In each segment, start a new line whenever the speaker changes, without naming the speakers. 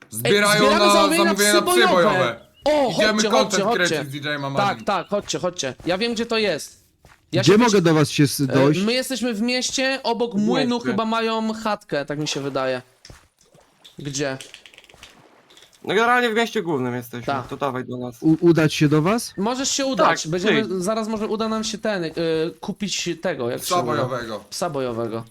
Zbierają
zbieramy
na
zamówienia na
zamówienia na psy bojowe.
O,
Idziemy
chodźcie,
content
chodźcie,
kręcić
chodźcie.
z DJ-em
Tak,
Amazing.
tak, chodźcie. Ja wiem, gdzie to jest. Ja
Gdzie
się
mogę do was się dojść?
My jesteśmy w mieście, obok młynu
mieście.
chyba mają chatkę, tak mi się wydaje. Gdzie?
No generalnie w mieście głównym jesteśmy,
Tak.
to dawaj do nas.
Udać się do was?
Możesz się udać,
Tak,
będziemy,
przyjdź.
zaraz może uda nam się kupić tego, jak się
Psa
uda.
bojowego.
Psa bojowego.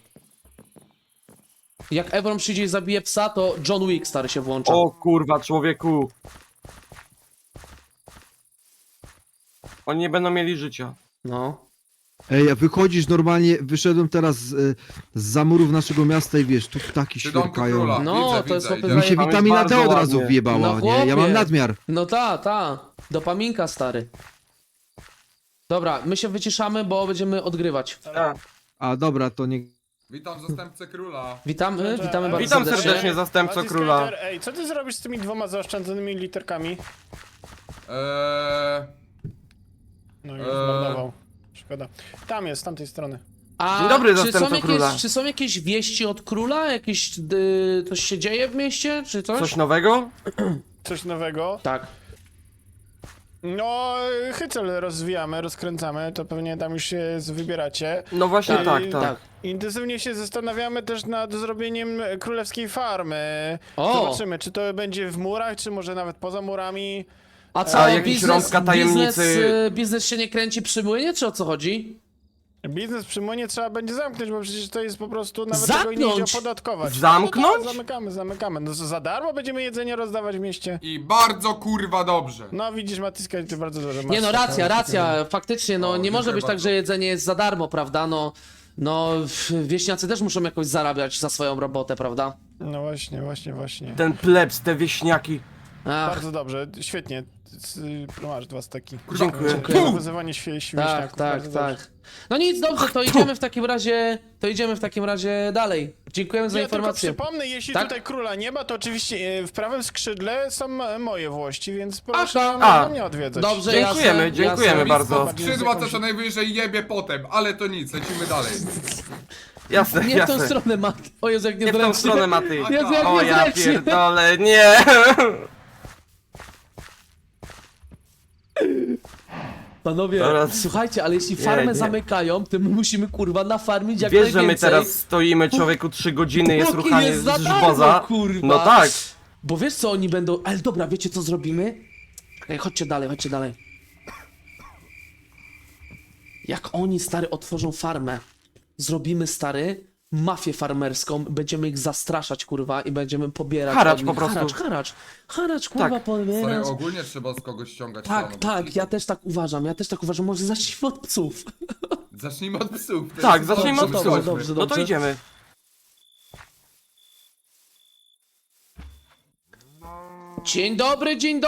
Jak Evron przyjdzie i zabije psa, to John Wick stary się włącza.
O kurwa, człowieku. Oni nie będą mieli życia.
No.
Ej, a wychodzisz normalnie, wyszedłem teraz z murów naszego miasta i wiesz, tu ptaki
Przy domku
świerkają.
króla.
No,
Widzę,
to jest
widzę,
chłopie
idziemy.
Mi się
Tam jest
witamina D
bardzo
od razu
ładnie.
wjebała,
No,
nie? Ja mam
chłopie.
nadmiar.
No ta. Dopaminka stary. Dobra, my się wyciszamy, bo będziemy odgrywać.
Tak.
A dobra, to nie...
Witam zastępcę króla.
Witamy bardzo
Witam
serdecznie.
serdecznie, zastępco
Mati
króla.
Skater, ej, co ty zrobisz z tymi dwoma zaoszczędzonymi literkami? No już zmarnował. Szkoda. Tam jest, z tamtej strony.
A
Dzień dobry,
czy są,
zastępco króla.
czy są jakieś wieści od króla? Coś się dzieje w mieście, czy coś?
Coś nowego?
Coś nowego.
Tak.
No, Hycel rozwijamy, rozkręcamy, to pewnie tam już się wybieracie.
No właśnie
Tak,
tak,
tak.
tak.
Intensywnie się zastanawiamy też nad zrobieniem królewskiej farmy.
O!
Zobaczymy, czy to będzie w murach, czy może nawet poza murami.
A co,
A jakiś rąbka tajemnicy?
biznes się nie kręci przy młynie, czy o co chodzi?
Biznes przy młynie trzeba będzie zamknąć, bo przecież to jest po prostu nawet tego nie idzie
Zamknąć?
opodatkować.
Zamknąć?
No tak, zamykamy. No za darmo będziemy jedzenie rozdawać w mieście.
I bardzo kurwa dobrze.
No widzisz, Matyska, ty bardzo dobrze masz.
Nie no, racja, faktycznie, no
O,
nie może
dziękuję
być tak,
bardzo.
że jedzenie jest za darmo, prawda? No, wieśniacy też muszą jakoś zarabiać za swoją robotę, prawda?
No właśnie.
Ten plebs, te wieśniaki.
Ach,
Bardzo dobrze, świetnie. Masz dwa staki.
Dziękuję.
Dziękuję za wyzywanie wieśniaków.
tak.
bardzo dobrze.
No nic, dobrze, to idziemy w takim razie dalej. Dziękujemy za
Ja tylko
informację.
przypomnę, jeśli
Tak?
tutaj króla nie ma, to oczywiście w prawym skrzydle są moje włości, więc proszę
Aha.
mnie odwiedzać.
Dobrze,
Dziękujemy,
jasne,
dziękujemy
jasne.
bardzo.
Skrzydła to co najwyżej jebie potem, ale to nic, lecimy dalej.
Jasne,
Nie w tą
jasne.
stronę, Mat. O Jezu, jak
Nie w tą
niezręcznie.
stronę, Maty.
Jezu, jak
O ja
niezręcznie.
pierdolę, nie.
Panowie,
Teraz-
słuchajcie, ale jeśli farmę
nie.
zamykają, to my musimy kurwa nafarmić jak
Wiesz, że
najwięcej.
my teraz stoimy, człowieku, 3 godziny, jest
Póki
ruchanie
jest za
z
darmo,
żboza.
kurwa.
No tak.
Bo wiesz co oni będą... Ale dobra, wiecie co zrobimy? Ej, chodźcie dalej. Jak oni, stary, otworzą farmę, zrobimy, stary, mafię farmerską, będziemy ich zastraszać, kurwa, i będziemy pobierać...
Haracz
od nich-
po prostu.
Haracz, kurwa,
Tak.
Stary,
pobierać.
ogólnie trzeba z kogoś ściągać
Tak,
siano,
tak,
bo-
ja też tak uważam, może zacznijmy od psów.
Zacznijmy od psów. to
Tak,
jest
zacznijmy od
dobrze,
psów.
chodźmy.
No to idziemy.
Dzień dobry!
Dzień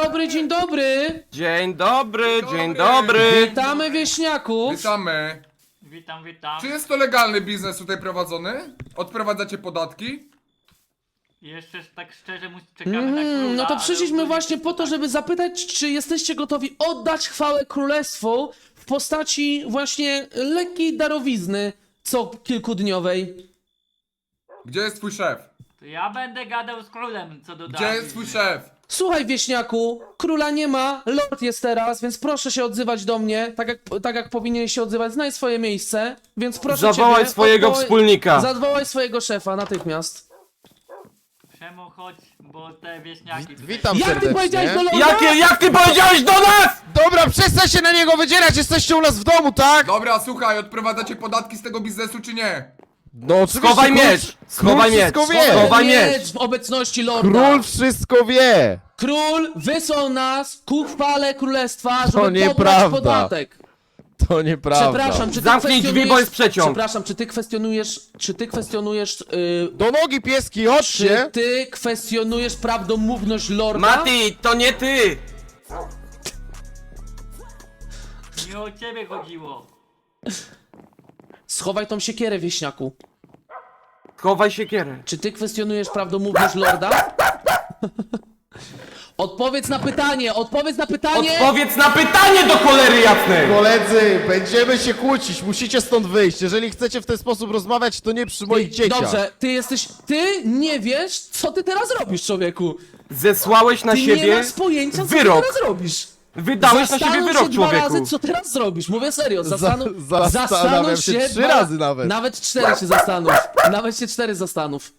dobry, dzień dobry.
Witamy wieśniaków!
Witamy.
Witam.
Czy jest to legalny biznes tutaj prowadzony? Odprowadzacie podatki?
Jeszcze tak szczerze czekamy na króla,
No to
ale
przyszliśmy
ogólnie
właśnie po to, żeby zapytać, czy jesteście gotowi oddać chwałę królestwu w postaci właśnie lekkiej darowizny co kilkudniowej.
Gdzie jest twój szef?
To ja będę gadał z królem co do
Gdzie jest twój szef?
Słuchaj wieśniaku, króla nie ma, lord jest teraz, więc proszę się odzywać do mnie, tak jak powinien się odzywać, znaj swoje miejsce, więc proszę
Zawołaj
ciebie,
swojego wspólnika.
Zawołaj swojego szefa natychmiast.
Przemo chodź, bo te wieśniaki tutaj...
Witam
Jak ty powiedziałeś do
serdecznie.
lorda?
Jak ty powiedziałeś do nas?
Dobra, przestań się na niego wydzierać, jesteście u nas w domu, tak?
Dobra, słuchaj, odprowadzacie podatki z tego biznesu czy nie?
No oczywiście.
Schowaj
król-
miecz, schowaj
król
miecz,
wszystko wie.
schowaj miecz.
W obecności lorda.
Król wszystko wie.
Król wysłał nas ku chwale królestwa, żeby
To
pobrać
nieprawda.
podatek.
To nieprawda.
Przepraszam, czy ty
Zamknij drzwi, bo jest przeciąg.
Przepraszam, czy ty kwestionujesz,
Do nogi pieski,
czy
chodźcie.
ty kwestionujesz prawdomówność lorda?
Mati, to nie ty.
Nie o ciebie chodziło.
Schowaj tą siekierę, wieśniaku.
Schowaj siekierę.
Czy ty kwestionujesz prawdomówność lorda? Odpowiedz na pytanie, odpowiedz na pytanie!
Odpowiedz na pytanie do cholery jasnej!
Koledzy, będziemy się kłócić, musicie stąd wyjść. Jeżeli chcecie w ten sposób rozmawiać, to nie przy moich dzieciach.
Dobrze, ty nie wiesz, co ty teraz robisz, człowieku.
Zesłałeś na
Ty nie
siebie
masz pojęcia, co
wyrok.
ty teraz robisz.
Wydałeś na siebie
Zastanów
wyrok,
się 2 razy,
człowieku.
co teraz zrobisz. Mówię serio,
Zastanawiam się 3
2
razy nawet.
Nawet 4 się zastanów. Nawet się 4 zastanów.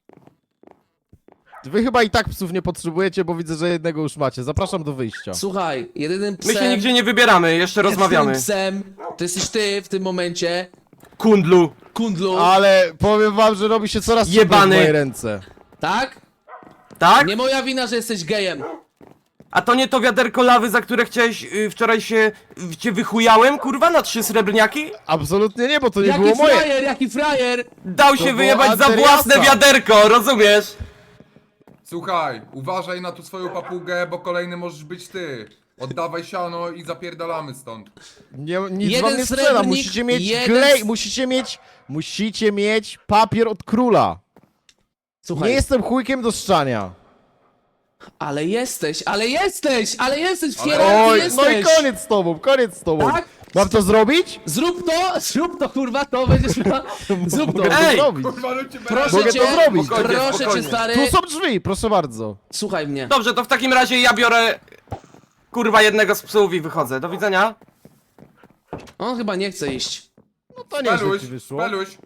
Wy chyba i tak psów nie potrzebujecie, bo widzę, że jednego już macie. Zapraszam do wyjścia.
Słuchaj, jedynym
My się
psem...
nigdzie nie wybieramy, jeszcze rozmawiamy.
Jedynym psem to jesteś ty w tym momencie,
Kundlu.
kundlu,
Ale powiem wam, że robi się coraz trudniej w
Jebany.
mojej ręce.
tak?
Tak?
Nie moja wina, że jesteś gejem.
A to nie to wiaderko lawy, za które chciałeś wczoraj cię wychujałem, kurwa, na 3 srebrniaki?
Absolutnie nie, bo to nie
Jaki
było moje.
frajer, jaki frajer!
Dał się
było
wyjebać za
Andreasa.
własne wiaderko, rozumiesz?
Słuchaj, uważaj na tu swoją papugę, bo kolejny możesz być ty. Oddawaj siano i zapierdalamy stąd.
Nie, nic
Jeden
wam nie strzela,
srebrnik,
musicie mieć
jeden
klej,
s-
musicie mieć papier od króla.
Słuchaj,
Nie jestem chujkiem do szczania.
ale jesteś w hierarchii
Oj,
jesteś!
no i koniec z tobą, koniec z tobą.
Tak?
Mam to zrobić?
Zrób to, kurwa, to będziesz miał... Zrób to.
Mogę to
Ej!
zrobić.
Kurwa, no cię
Proszę
Mogę
cię,
to zrobić.
Spokojnie,
proszę cię,
spokojnie.
stary,
Tu są drzwi, proszę bardzo.
słuchaj mnie.
Dobrze, to w takim razie ja biorę, kurwa, jednego z psów i wychodzę. Do widzenia.
On chyba nie chce iść.
No to nieźle
Peluś,
ci wyszło.
peluś.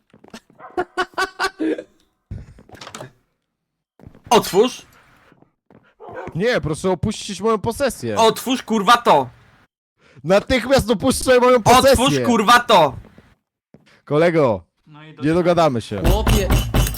Otwórz.
Nie, proszę opuścić moją posesję.
Otwórz, kurwa, to.
Natychmiast opuszczaj moją posesję.
Otwórz, kurwa, to.
Kolego,
No i
nie dogadamy się.
Chłopie.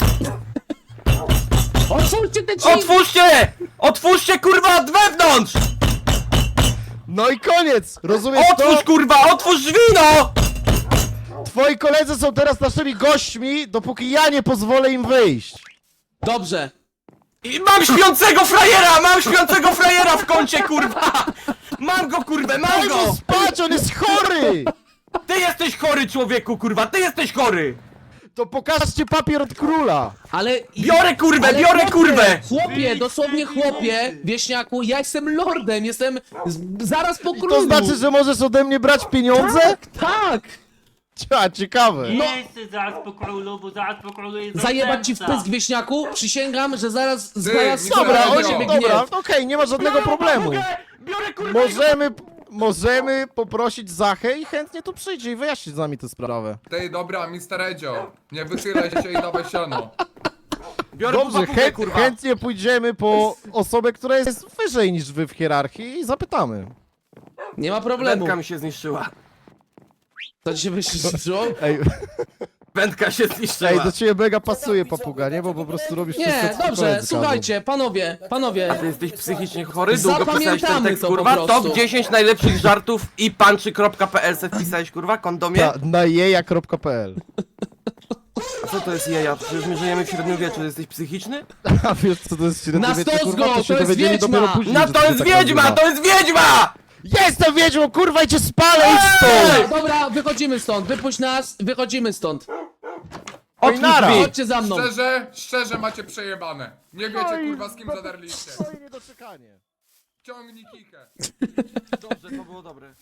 Otwórzcie te drzwi!
Otwórzcie! Otwórzcie, kurwa, od wewnątrz!
No i koniec! Rozumiesz
Otwórz,
to?
kurwa, otwórz drzwi, no!
Twoi koledzy są teraz naszymi gośćmi, dopóki ja nie pozwolę im wyjść.
Dobrze.
I mam śpiącego frajera w kącie, kurwa! Mam go, kurwę, mam
Daj mu
go!
spać, on jest chory!
Ty jesteś chory, człowieku, kurwa, ty jesteś chory!
To pokażcie papier od króla.
Ale...
Biorę kurwę,
ale
biorę
chłopie,
kurwę!
Chłopie, dosłownie chłopie, wieśniaku, ja jestem lordem, jestem zaraz po
I
królu.
to znaczy, że możesz ode mnie brać pieniądze?
Tak!
Ciekawe.
No.
Nie chcę zaraz po królu, bo zaraz po królu jest
Zajebać ci w
zastępca.
pysk, wieśniaku, przysięgam, że zaraz
Dobra,
Dobra,
Dobra,
oni,
dobra.
dobra, okej, nie ma żadnego problemu.
Biorę kurwę!
Możemy poprosić Zachę i chętnie tu przyjdzie i wyjaśni z nami tę sprawę.
Ty, dobra, Mr. Edzio. Nie wychylaj się i dawaj siano.
Biorę
Dobrze,
papugę, kurwa!
chętnie pójdziemy po osobę, która jest wyżej niż wy w hierarchii i zapytamy.
Nie ma problemu.
Wędka mi się zniszczyła.
To ci się wyszło?
Ej,
Wędka się zniszczyła.
do ciebie mega pasuje papuga, nie? Bo po prostu robisz wszystko,
Nie,
co ci
dobrze,
koledzy
słuchajcie, panowie.
Ty jesteś psychicznie chory? Długo pisałeś ten
Zapamiętamy
tekst,
to po
kurwa?
prostu.
Top 10 najlepszych żartów i punchy.pl se wpisałeś, kurwa? Kondomie?
Na jeja.pl.
A co to jest jeja? Przecież my żyjemy w średniowieczu, jesteś psychiczny?
A wiesz co to jest średniowiecze,
Na stos
kurwa?
go,
To się
to jest
dowiedzieli
wiedźma!
dopiero później,
No
że
to
się
jest
tak
wiedźma,
nazywa.
to jest wiedźma!
Jestem wiedźmą, kurwa, i cię spalę, idź stąd!
Dobra, wychodzimy stąd, wypuść nas, wychodzimy stąd.
Otwórz
nara.
drzwi!
Chodźcie za mną.
Szczerze macie przejebane. Nie wiecie, kurwa, z kim zadarliście.
Stoi niedoczekanie.
Ciągnij kichę.
Dobrze, to było dobre.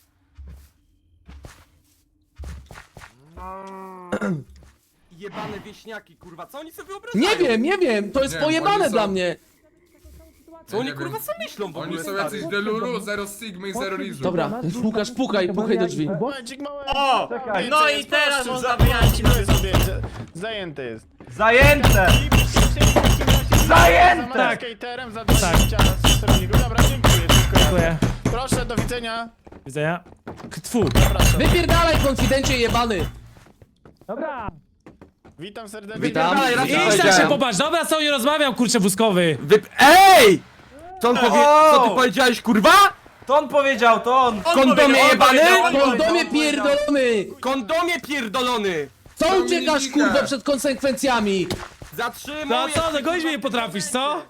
Jebane wieśniaki, kurwa, co oni sobie wyobrażają?
Nie wiem, to jest
Nie,
pojebane
oni są-
dla mnie.
Co oni
Nie
kurwa
wiem.
co myślą w ogóle?
Oni są
stary?
jacyś delulu, zero sigmy i zero rizu.
Dobra, Łukasz, pukaj do drzwi.
Momencik mały.
O! No i teraz można wyjaśnić.
Zajęty jest.
Zajęte!
Zajęte! Za skaterem, za 20 sterowników. Dobra, dziękuję.
Dziękuję.
Proszę, do widzenia.
Widzenia. Tfu.
Wypierdalaj, konfidencie jebany.
Dobra.
Witam serdecznie.
Witam.
Dalej, raz
Idź tak się
powiedziałem.
popatrz, dobra, co nie rozmawiam, kurczę, wózkowy.
Ej! Co on powie... Co ty powiedziałeś, kurwa?
To on powiedział, to on.
Kondomie jebany?
Kondomie pierdolony!
Kondomie pierdolony!
Co uciekasz, kurwa, przed konsekwencjami?
Zatrzymuj!
No co, dogonić mnie nie potrafisz, co?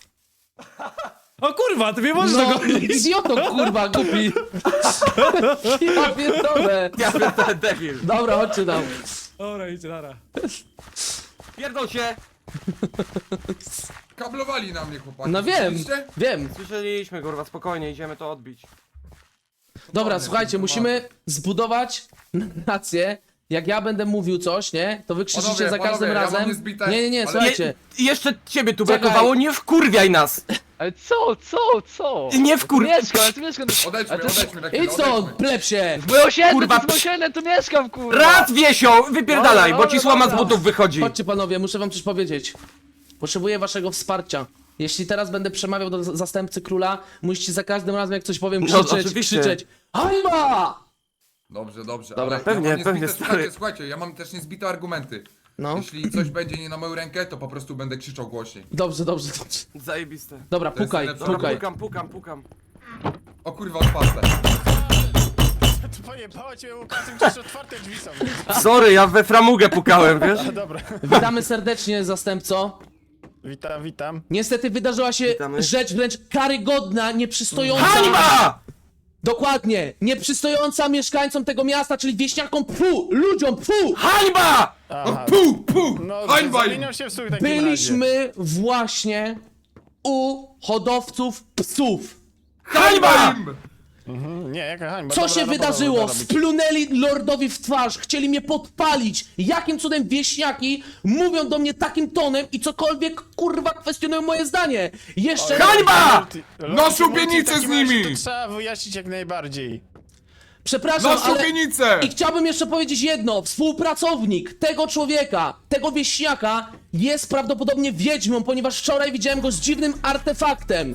O kurwa, ty mnie możesz
No,
dogonić.
idioto, kurwa, głupi. Ja pierdolę.
Ja pierdolę debil.
Dobra, chodźcie tam.
Dobra, idźcie, nara.
Pierdol się!
Kablowali na mnie chłopaki.
No wiem,
Słyszeliście?
wiem.
Słyszeliśmy, kurwa, spokojnie, idziemy to odbić.
Dobra, słuchajcie, musimy zbudować narrację. Jak ja będę mówił coś, nie? To wy krzyczycie
Panowie,
za każdym
panowie, ja mam
razem.
niezbite,
Nie,
ale-
słuchajcie.
I jeszcze ciebie tu
Czekaj.
brakowało, nie wkurwiaj nas!
Ale co?
Nie wkur...
Mieszkam, ja tu mieszkam.
Odejdźmy,
Ale to-
odejdźmy na chwilę,
Idź stąd,
odejdźmy.
plepsie!
Moje osiedle,
Kurwa,
to jest moje osiedle, tu mieszkam, kurwa!
Raz, Wiesio, wypierdalaj, bo ci
Dobra,
słoma z
dobra.
butów wychodzi.
Chodźcie panowie, muszę wam coś powiedzieć. Potrzebuję waszego wsparcia. Jeśli teraz będę przemawiał do zastępcy króla, musicie za każdym razem jak coś powiem
No,
krzyczeć,
oczywiście.
krzyczeć. Hańba!
Dobrze, dobrze.
Dobra,
ale
pewnie,
ja mam
pewnie,
niezbite,
stary.
słuchajcie, ja mam też niezbite argumenty.
No,
Jeśli coś będzie nie na moją rękę, to po prostu będę krzyczał głośniej.
dobrze.
Zajebiste.
Dobra,
To jest
pukaj,
najlepsza
Dobra,
pukaj.
pukam.
O kurwa, odpastę.
Pojebało cię Łukaszem, gdzieś otwarte drzwi są.
Sorry, ja we framugę pukałem, wiesz?
A dobra,
Witamy serdecznie, zastępco.
witam.
Niestety wydarzyła się
Witamy.
rzecz wręcz karygodna, nieprzystojąca.
Hańba!
Dokładnie, nieprzystojąca mieszkańcom tego miasta, czyli wieśniakom, ludziom,
Hańba!
Aha,
Pu!
no
Hańba im!
zamieniał się w słuch w takim razie.
Byliśmy właśnie u hodowców psów.
Hańba!
im!
Nie, jaka hańba.
Co
dobra
się
robota
wydarzyło?
można robić.
Splunęli lordowi w twarz, chcieli mnie podpalić. Jakim cudem wieśniaki mówią do mnie takim tonem i cokolwiek kurwa kwestionują moje zdanie? Jeszcze...
Hańba!
Na szubienicę
W takim
z nimi!
razie To trzeba wyjaśnić jak najbardziej.
Przepraszam,
Na
ale...
szubienicę!
I chciałbym jeszcze powiedzieć jedno. Współpracownik tego człowieka, tego wieśniaka jest prawdopodobnie wiedźmą, ponieważ wczoraj widziałem go z dziwnym artefaktem.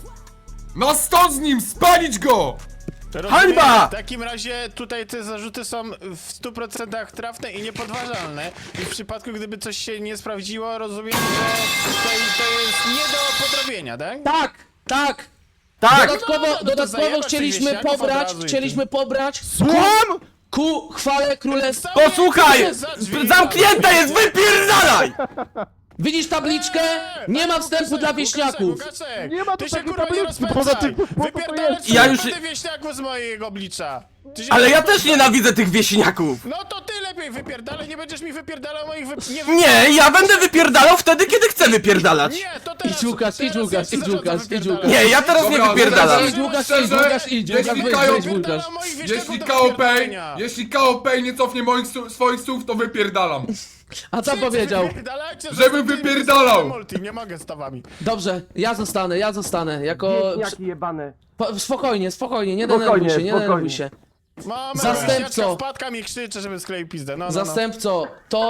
Na stąd z nim! Spalić go!
Rozumiem,
Hańba!
W takim razie tutaj te zarzuty są w 100% trafne i niepodważalne. I w przypadku gdyby coś się nie sprawdziło, rozumiem, że to jest nie do podrobienia, tak?
Tak.
Tak!
no to zajebać tych wieśniaków od razu i
Chcieliśmy pobrać
Słucham?
ku chwale królestwa.
Posłuchaj! Zamknięta jest, wypierdalaj!
Widzisz tabliczkę? Nie ma wstępu dla wieśniaków.
Nie ma tu
Ty się
takiej
kurwa nie
tabliczki,
rozpędzaj!
poza tym, po co to
Wypierdalać
jest?
Ja już-
wieśniaków z mojego oblicza! Ty się
Ale
nie
ja
rozpędzaj.
też nienawidzę tych wieśniaków!
No to ty lepiej wypierdalaj, nie będziesz mi wypierdalał moich
Nie, ja będę wypierdalał wtedy, kiedy chcę wypierdalać!
Nie, to teraz...
Idź Łukasz,
teraz
idź Łukasz,
ja
idź
zarządzam
Łukasz, idź
wypierdalać.
Łukasz.
Nie, ja teraz nie wypierdalam!
Idź, Łukasz,
Szczerze,
idź, Łukasz, idź,
jeśli
Łukasz,
Kajo-
wejdź, Łukasz.
Moich wieśniaków
Jeśli
do
KOP,
wypierdalania.
jeśli KOP nie cofnie moich swoich słów, to wypierdalam.
A co powiedział?
Wypierdalajcie,
Żeby
że
wypierdalał.
multi, nie mogę z tobami.
Dobrze, ja zostanę, jako...
Wieśniaki jebane.
Spokojnie, nie
Spokojnie,
denerwuj się, nie
spokojnie.
denerwuj się.
Mamy
Zastępco.
wpadka mi krzyczy, żeby skleił pizdę, no.
Zastępco,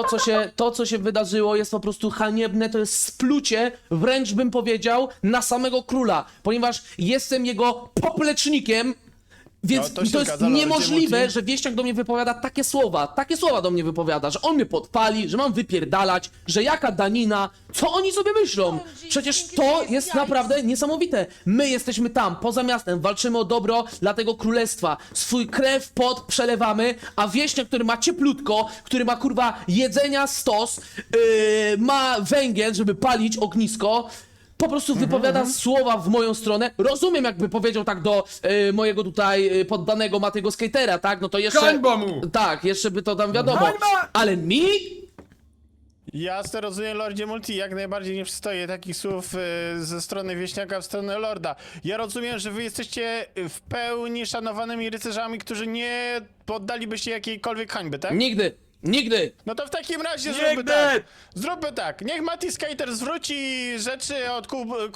to co się wydarzyło jest po prostu haniebne, to jest splucie, wręcz bym powiedział, na samego króla, ponieważ jestem jego poplecznikiem, więc
No, to się
to jest
zgadza, Lordzie
niemożliwe,
Multi.
że wieśniak do mnie wypowiada takie słowa do mnie wypowiada, że on mnie podpali, że mam wypierdalać, że jaka danina, co oni sobie myślą? Przecież to jest naprawdę niesamowite. My jesteśmy tam, poza miastem, walczymy o dobro dla tego królestwa, swój krew, pot przelewamy, a wieśniak, który ma cieplutko, który ma kurwa jedzenia stos, ma węgiel, żeby palić ognisko, po prostu wypowiada słowa w moją stronę. Rozumiem, jakby powiedział tak do mojego tutaj poddanego Matego Skatera, tak? No to jeszcze...
Hańba mu!
Tak, jeszcze by to tam wiadomo.
Hańba!
Ale mi?
Jasne, rozumiem, Lordzie Multi, jak najbardziej nie przystoję takich słów ze strony wieśniaka w stronę Lorda. Ja rozumiem, że wy jesteście w pełni szanowanymi rycerzami, którzy nie poddaliby się jakiejkolwiek hańby, tak?
Nigdy!
No to w takim razie
Nigdy!
zróbmy tak. Zróbmy tak. Niech Mati Skater zwróci rzeczy od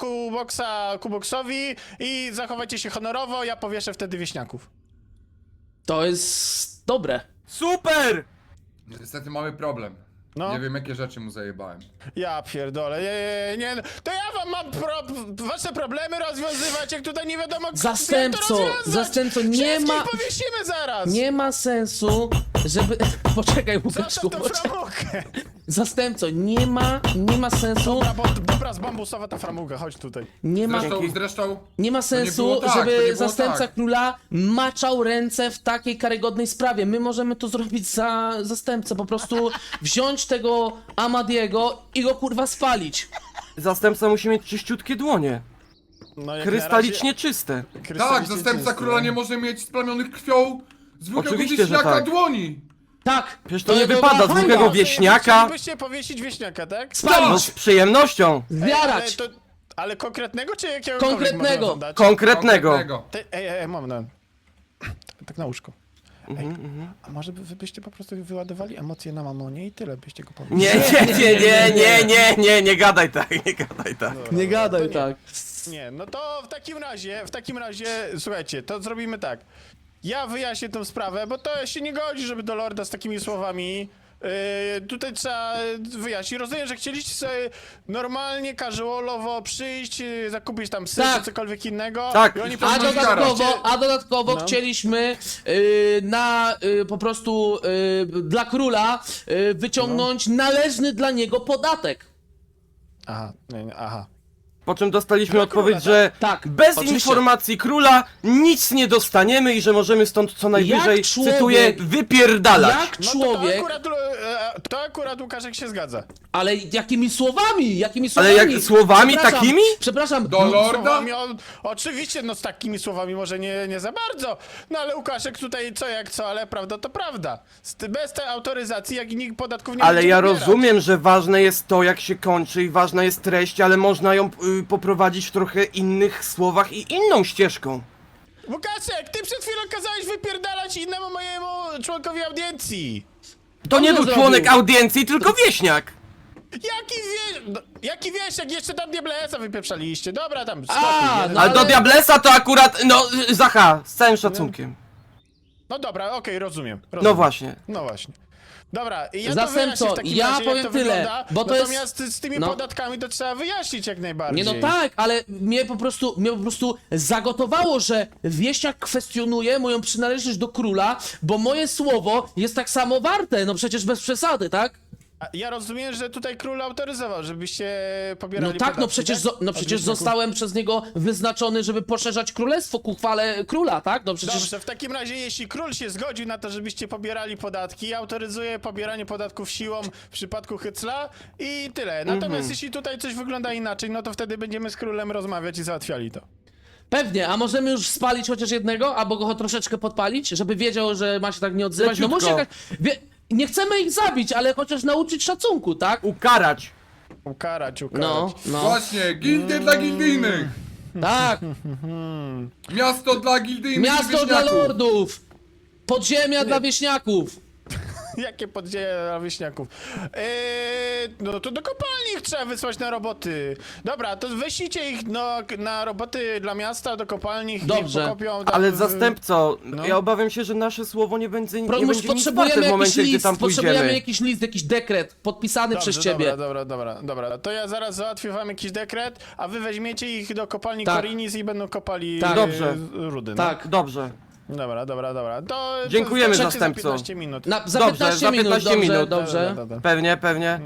Kuboksowi i zachowajcie się honorowo, ja powieszę wtedy wieśniaków.
To jest dobre.
Super!
Niestety mamy problem.
No.
Nie wiem jakie rzeczy mu zajebałem.
Ja pierdolę, nie, to ja wam mam wasze problemy rozwiązywać, jak tutaj nie wiadomo jak to
Zastępco, nie
Wszystkich
ma...
powiesimy zaraz!
Nie ma sensu, żeby... Poczekaj, Łukaszku,
Zostaw tą framugę!
Zastępco, nie ma sensu,
Dobra, z bambusowa ta framuga, chodź tutaj.
nie ma
Zresztą
Nie ma sensu,
było tak, to nie
żeby
było
zastępca
tak.
króla maczał ręce w takiej karygodnej sprawie. My możemy to zrobić za zastępcę, po prostu wziąć tego Amadiego i go kurwa spalić.
Zastępca musi mieć czyściutkie dłonie.
No, jak
Krystalicznie czyste.
na razie-
tak,
krystalicznie
zastępca
czyste,
króla
no.
nie może mieć splamionych krwią zwykłego
Oczywiście, że
wieśniaka
tak.
dłoni.
Tak!
Przecież to nie
była
wypada z
hańba.
zwykłego wieśniaka.
Chcielibyście powiesić wieśniaka, tak?
No,
Spalić!
z przyjemnością.
Zjarać!
Ale konkretnego czy jakiegokolwiek
Konkretnego.
można wam dać?
Konkretnego.
Moment. Tak na łóżko. Ej, a może wy byście po prostu wyładowali emocje na mamonie i tyle byście go powiedzieli?
Nie gadaj tak, nie gadaj tak.
Nie gadaj
to nie.
tak.
Nie, no to w takim razie, słuchajcie, to zrobimy tak. Ja wyjaśnię tę sprawę, bo to się nie godzi, żeby do lorda z takimi słowami. Tutaj trzeba wyjaśnić. Rozumiem, że chcieliście sobie normalnie, casualowo przyjść, zakupić tam syf
Tak.
czy cokolwiek innego.
Tak.
I oni
A
powiedzieli,
dodatkowo
No.
chcieliśmy po prostu dla króla wyciągnąć należny dla niego podatek.
Aha.
Po czym dostaliśmy
Dla
odpowiedź,
króla,
że
tak? Tak,
bez
oczywiście.
informacji króla nic nie dostaniemy i że możemy stąd co najwyżej,
Jak człowiek-
cytuję, wypierdalać.
Jak
No
człowiek,
to akurat Łukaszek się zgadza.
ale jakimi słowami?
Ale jak słowami
Przepraszam,
takimi?
Przepraszam,
Do lorda?
Słowami, oczywiście, no z takimi słowami może nie za bardzo. No ale Łukaszek tutaj co jak co, ale prawda to prawda. Bez tej autoryzacji, jak i nikt podatków nie
Ale
będzie
ja
pobierać.
rozumiem, że ważne jest to, jak się kończy i ważna jest treść, ale można ją poprowadzić w trochę innych słowach i inną ścieżką.
Łukaszek, ty przed chwilą kazałeś wypierdalać innemu mojemu członkowi audiencji.
To nie
nie
był
zrobił.
członek audiencji, tylko wieśniak.
Jaki wiesz, jak jeszcze tam Diablesa wypieprzaliście. Dobra, tam
A,
spokój.
no
Ale do
ale-
Diablesa to akurat, no, Zacha, z całym szacunkiem.
No dobra, okej, rozumiem.
No właśnie.
No właśnie. Dobra, i ja
Zastępco,
to wyjaśnię w takim
ja
razie,
powiem
jak to
tyle,
wygląda,
bo to jest-
natomiast z tymi
no.
podatkami to trzeba wyjaśnić jak najbardziej.
Nie no tak, ale mnie po prostu zagotowało, że wieśniak kwestionuje moją przynależność do króla, bo moje słowo jest tak samo warte, no przecież bez przesady, tak?
A ja rozumiem, że tutaj król autoryzował, żebyście pobierali
No tak,
podatki,
no
Od
przecież
wieśniaków.
zostałem przez niego wyznaczony, żeby poszerzać królestwo ku chwale króla, tak? No przecież...
Dobrze, w takim razie jeśli król się zgodził na to, żebyście pobierali podatki, autoryzuje pobieranie podatków siłą w przypadku Hycla i tyle. Natomiast jeśli tutaj coś wygląda inaczej, no to wtedy będziemy z królem rozmawiać i załatwiali to.
Pewnie, a możemy już spalić chociaż jednego, albo go troszeczkę podpalić, żeby wiedział, że ma się tak nie odzywać. No musi
Leciutko.
jakaś... Nie chcemy ich zabić, ale chociaż nauczyć szacunku, tak?
Ukarać.
Ukarać.
No, no,
Właśnie, gildie dla gildijnych!
tak.
Miasto dla gildijnych
Miasto dla
wieśniaków.
lordów! Podziemia dla wieśniaków!
Jakie podzieje dla wieśniaków? No to do kopalni ich trzeba wysłać na roboty. Dobra, to wyślijcie ich na roboty dla miasta, do kopalni, ich
Dobrze.
niech pokopią tam
Ale
w-
zastępco,
No.
ja obawiam się, że nasze słowo nie będzie nic warte
Potrzebujemy
w
jakiś
momencie, gdy
list,
tam
potrzebujemy
pójdziemy.
jakiś list, jakiś dekret podpisany
Dobrze,
przez ciebie.
Dobra. To ja zaraz załatwię wam jakiś dekret, a wy weźmiecie ich do kopalni
Tak.
Korinis i będą kopali
Tak.
Dobrze.
rudy.
Tak.
Dobrze.
No. Dobra. To
Dziękujemy,
to
zastępco.
za 15 minut.
Za
Dobrze,
15
za
minut,
15
dobrze,
minut.
dobrze.
Dobra.
Pewnie.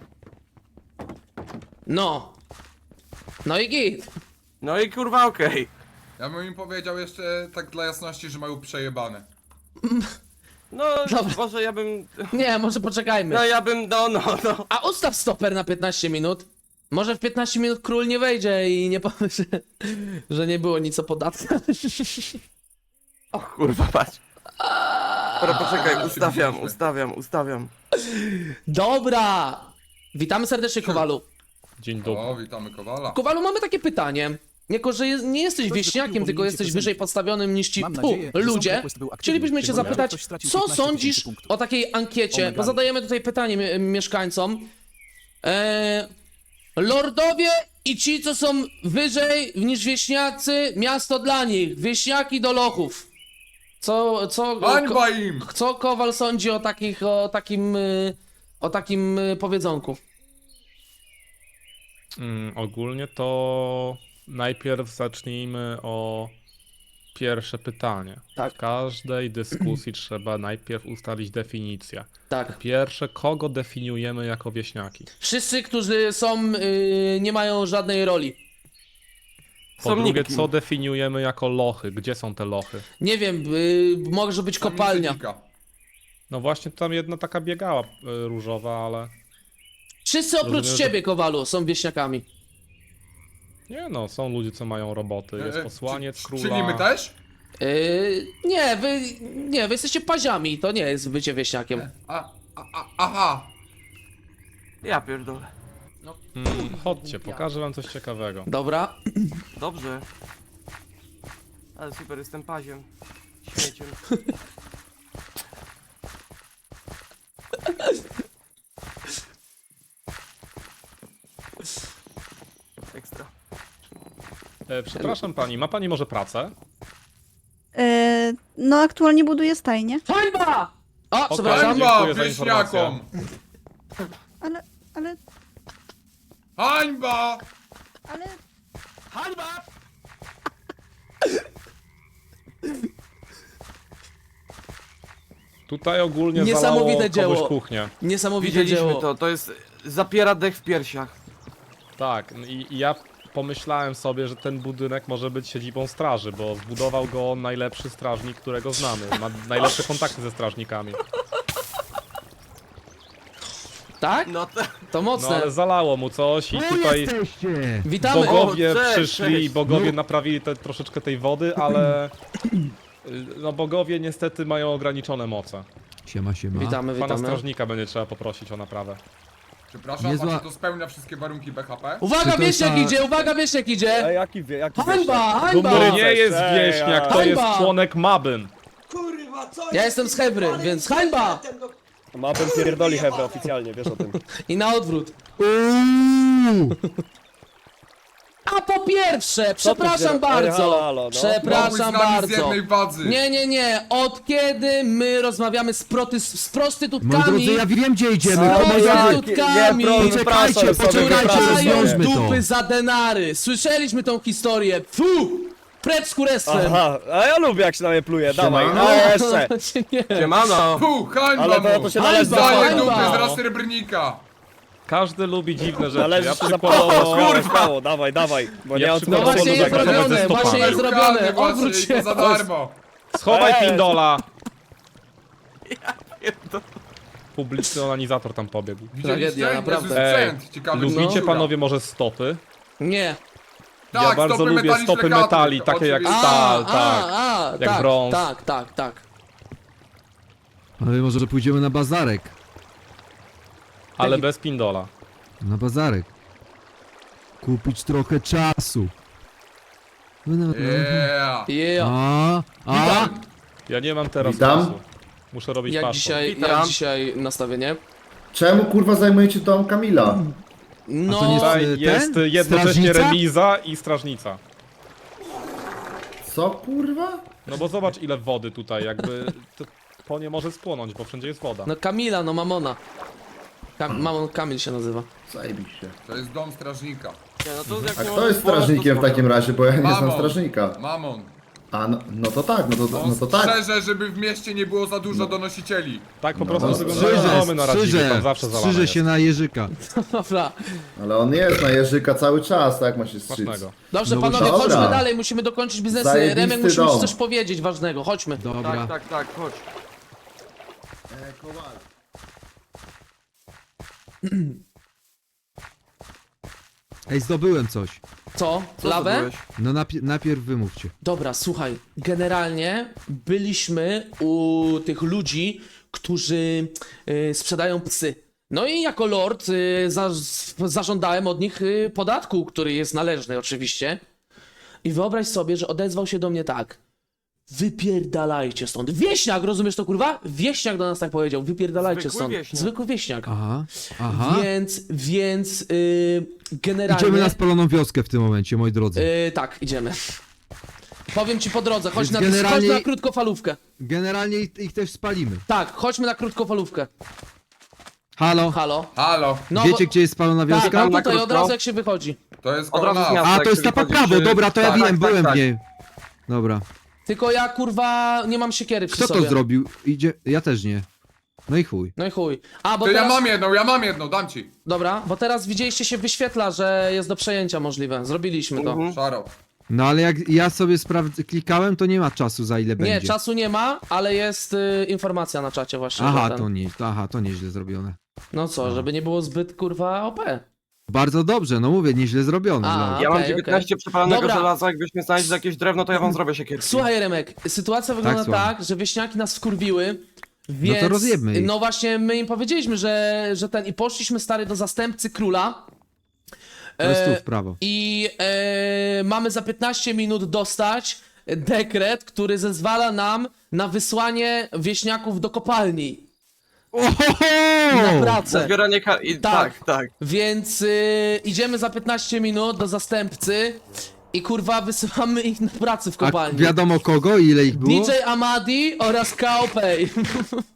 No. No i git.
No i kurwa okej.
Ja bym im powiedział jeszcze tak dla jasności, że mają przejebane.
No,
Dobra.
może ja bym...
Nie, może poczekajmy.
No.
A ustaw stoper na 15 minut. Może w 15 minut król nie wejdzie i nie powie, że nie było nic o podatkach.
O kurwa, patrz. Dobra, poczekaj,
Musimy.
ustawiam.
Dobra. Witamy serdecznie, Kowalu.
Dzień dobry.
O, witamy Kowala.
Kowalu, mamy takie pytanie. Jako, że nie jesteś wieśniakiem, tylko jesteś wyżej podstawionym niż ci ludzie, chcielibyśmy cię zapytać, co sądzisz o takiej ankiecie, bo zadajemy tutaj pytanie mieszkańcom. Lordowie i ci, co są wyżej niż wieśniacy, miasto dla nich, wieśniaki do lochów.
Hańba im!
Co Kowal sądzi o takim powiedzonku?
Ogólnie to najpierw zacznijmy o pierwsze pytanie.
Tak.
W każdej dyskusji trzeba najpierw ustalić definicję.
Tak.
Pierwsze, kogo definiujemy jako wieśniaki?
Wszyscy, którzy są, nie mają żadnej roli.
Po
Są
drugie,
nikim.
co definiujemy jako lochy? Gdzie są te lochy?
Nie wiem, może być kopalnia.
No właśnie tam jedna taka biegała różowa, ale...
Wszyscy oprócz
Rozumiem, że-
ciebie, Kowalu, są wieśniakami.
Nie no, są ludzie, co mają roboty. Jest posłaniec króla.
Czyli my też?
Nie, wy jesteście paziami, to nie jest bycie wieśniakiem.
Aha.
Ja pierdolę.
Chodźcie, pokażę wam coś ciekawego.
Dobra.
Dobrze. Ale super, jestem paziem. Śmieciem. Ekstra.
Przepraszam pani, ma pani może pracę?
No aktualnie buduję stajnię.
Hańba! O, przepraszam.
Dziękuję
Hańba
za
wieśniakom!
Ale...
Hańba!
Hańba!
Tutaj ogólnie
Niesamowite
zalało
dzieło.
komuś kuchnię.
Niesamowite
Widzieliśmy
dzieło.
to jest... Zapiera dech w piersiach.
Tak, i ja pomyślałem sobie, że ten budynek może być siedzibą straży, bo zbudował go najlepszy strażnik, którego znamy. Ma najlepsze kontakty ze strażnikami.
Tak?
No to...
To
No
mocne.
ale zalało mu coś i tutaj
jesteście!
Witamy.
bogowie
O, cześć,
przyszli
cześć.
i bogowie naprawili troszeczkę tej wody, ale... No bogowie niestety mają ograniczone moce.
Siema.
Witamy,
Pana
witamy.
strażnika będzie trzeba poprosić o naprawę.
Przepraszam,
Niezła-
czy to spełnia wszystkie warunki BHP?
Uwaga,
Czy to
wieśniak
jest ta-
idzie, uwaga, wieśniak idzie!
Jaki
Hańba,
To
hańba!
nie jest wieśniak, to jest
Hańba!
członek Mabyn.
Ja jestem z Hebry, więc hańba!
Ma bym pierdoli Hebra oficjalnie, wiesz o tym.
I na odwrót.
Uuu!
A po pierwsze, przepraszam
Ej,
bardzo.
halo, no.
Mogłeś z
Przepraszam
nami z
bardzo.
jednej wadzy.
Nie. Od kiedy my rozmawiamy z
Moi
prostytutkami,
drodzy, ja wiem gdzie idziemy.
z
Moi drodzy,
prostytutkami,
Poczekajcie,
które dają
rozwiążmy to.
dupy za denary. Słyszeliśmy tą historię. Fu! Precz z kurestwem.
Aha, a ja lubię jak się na mnie pluje, dawaj,
Siemano.
no jeszcze.
Nie.
Siemano!
Hańba
Ale
mu!
to się
Hańba,
należy
Daję
hańba.
dupy z Rasterbrnika!
Każdy lubi dziwne rzeczy.
Należy
Ja
się
przykładowo...
zapłacić, kurwa! Dawaj, bo
Ja
nie mam
przy-
No
co
właśnie jest
zagrać ze
zrobione,
stopami.
właśnie jest zrobione.
Szukany właśnie
Odwróć
i
się.
to za darmo!
Schowaj
Ej.
pindola! Publiczny onanizator tam pobiegł.
Tragedia,
Widzieliście?
naprawdę.
Jezus, sprzęt! Ciekawy,
Lubicie
no.
panowie może stopy?
Nie.
Tak,
Ja bardzo
stopy
lubię
metaliczne
stopy
kadry,
metali, takie jak
oczywiście.
stal, tak. Jak
tak,
brąz.
tak.
Ale może pójdziemy na bazarek.
Ale bez pindola.
Na bazarek. Kupić trochę czasu.
Yeah.
Yeah.
A?
Ja nie mam teraz
Witam.
czasu. Muszę robić
Jak
paszport.
dzisiaj, nastawienie?
Czemu kurwa zajmujecie dom Kamila?
No,
to nie jest-
Tutaj
ten?
jest jednocześnie
Strażnica?
remiza i strażnica.
Co kurwa?
No bo zobacz ile wody tutaj, jakby to nie może spłonąć, bo wszędzie jest woda.
no Kamila, no Mamona. Mamon Kamil się nazywa.
Zajebiście.
To jest dom strażnika.
Nie, no to jak
A
nie
kto
możesz
jest
spłonąć, to
strażnikiem w
spoko.
takim razie, bo ja nie znam
Mamon.
strażnika.
Mamon.
A no to tak, no to tak.
Strzeże, żeby w mieście nie było za dużo donosicieli.
Tak po
No,
prostu
no,
wyglądają domy na Radziwie, tam zawsze zalane
strzyże
jest.
się na jeżyka.
Dobra.
Ale on jest na jeżyka cały czas, tak ma się strzyc.
Smacznego.
Dobrze,
No
panowie,
dobra.
chodźmy dalej, musimy dokończyć biznesy.
Zajebisty
Remek, musimy ci
dom.
coś powiedzieć ważnego, chodźmy.
Dobra.
Tak, chodź.
Ej, zdobyłem coś.
Co?
Co
Lawę?
zrobiłeś?
No najpierw wymówcie.
Dobra, słuchaj, generalnie byliśmy u tych ludzi, którzy sprzedają psy. No i jako lord zażądałem od nich podatku, który jest należny oczywiście. I wyobraź sobie, że odezwał się do mnie tak. Wypierdalajcie stąd. Wieśniak, rozumiesz to kurwa? Wieśniak do nas tak powiedział. Wypierdalajcie
Zwykły
stąd.
wieśniak.
Zwykły wieśniak.
Aha.
Więc generalnie...
Idziemy na spaloną wioskę w tym momencie, moi drodzy.
tak, idziemy. Powiem ci po drodze, chodź
Więc
na,
generalnie-
chodź na krótkofalówkę.
Generalnie ich też spalimy.
Tak, chodźmy na krótkofalówkę.
Halo?
Halo.
Halo,
No,
Wiecie gdzie jest spalona
tak,
wioska?
tam
Na
tutaj od
krótko?
razu jak się wychodzi.
to jest
Od razu
koło
z
nas.
miasta.
A,
jak
to jest
się
ta po
wychodzi,
prawo,
czy-
dobra, to ja
tak,
wiem,
tak,
byłem
tak.
w niej. Dobra.
Tylko ja kurwa nie mam siekiery przy
Kto
sobie.
to zrobił? Idzie... Ja też nie. No i chuj.
No i chuj. A, bo
To
teraz...
ja mam jedną, dam ci.
Dobra, bo teraz widzieliście się wyświetla, że jest do przejęcia możliwe. Zrobiliśmy to.
Szaro.
No ale jak ja sobie klikałem, to nie ma czasu za ile
Nie,
będzie.
czasu nie ma, ale jest informacja na czacie właśnie.
Aha,
że ten...
to nieźle zrobione.
No co, żeby nie było zbyt kurwa OP.
Bardzo dobrze, no mówię, nieźle zrobione.
A,
no.
Ja mam
okej,
19 przepalonego
Dobra.
żelaza, jakbyśmy znaleźli jakieś drewno, to ja wam zrobię siekierki.
Słuchaj, Remek, sytuacja wygląda
słucham.
tak, że wieśniaki nas wkurwiły, więc...
rozjebmy ich.
No właśnie, my im powiedzieliśmy, że ten... I poszliśmy, stary, do zastępcy króla.
To jest tu w prawo.
I mamy za 15 minut dostać dekret, który zezwala nam na wysłanie wieśniaków do kopalni. Na pracę.
Zbieranie
Tak.
tak.
Więc idziemy za 15 minut do zastępcy i kurwa wysyłamy ich na pracę w
A
kopalni.
wiadomo kogo i ile ich było?
DJ Amadi oraz KOP.